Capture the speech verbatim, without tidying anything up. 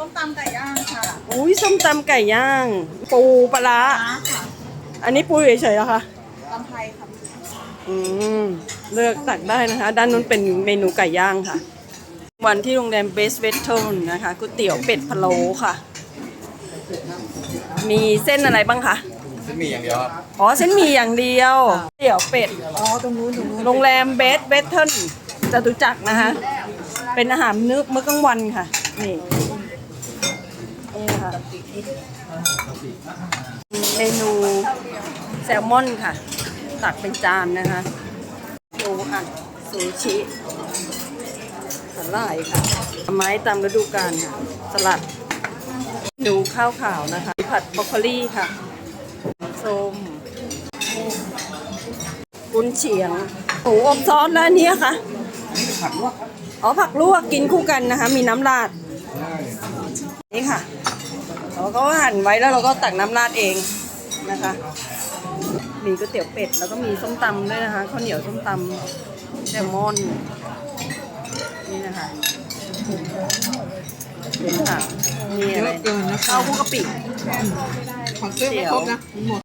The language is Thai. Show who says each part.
Speaker 1: ส้มตำไก่ย่างค่ะ
Speaker 2: อุ้ยส้มตำไก่ย่าง ปูปลาร้าอันนี้ปูเฉยๆเหรอคะ
Speaker 1: ตำไทยค่ะ
Speaker 2: อืมเลือกตักได้นะคะ ด้านนู้นเป็นเมนูไก่ย่างค่ะ วันที่โรงแรมเบสเวสเทิลนะคะก๋วยเตี๋ยวเป็ดพะโล้ค่ะ มีเส้นอะไรบ้างคะ
Speaker 3: เส้นหมี่อย่างเดียวครับ
Speaker 2: อ๋อเส้นหมี่อย่างเดียวเตี๋ยวเป็ด
Speaker 1: อ๋อตรงนู้นตรงนู้น
Speaker 2: โรงแรมเบสเวสเทิลจตุจักรนะคะเป็นอาหารนึกมื้อกลางวันค่ะนี่นี่ค่ะเมนูแซลมอนค่ะ ตักเป็นจานนะคะปูอัดซูชิสลายค่ะไม้ตามฤดูกาลค่ะสลัดดูข้าวขาวนะคะผัดบรอกโคลีค่ะส้มกุนเชียงหมูอบซอสแล้วนี้ค่ะ
Speaker 3: ผักลวกครับ
Speaker 2: อ๋อผักลวกกินคู่กันนะคะ มีน้ำราดนี่ค่ะเราก็หั่นไว้แล้วเราก็ตักน้ำราดเองนะคะ มีก๋วยเตี๋ยวเป็ดแล้วก็มีส้มตำด้วยนะคะข้าวเหนียวส้มตำแซลมอนนี่นะคะนี่ค่ะนี่อะไรข้าวคลุกกะปิ
Speaker 1: ของเสื้อไม่ครบนะหมด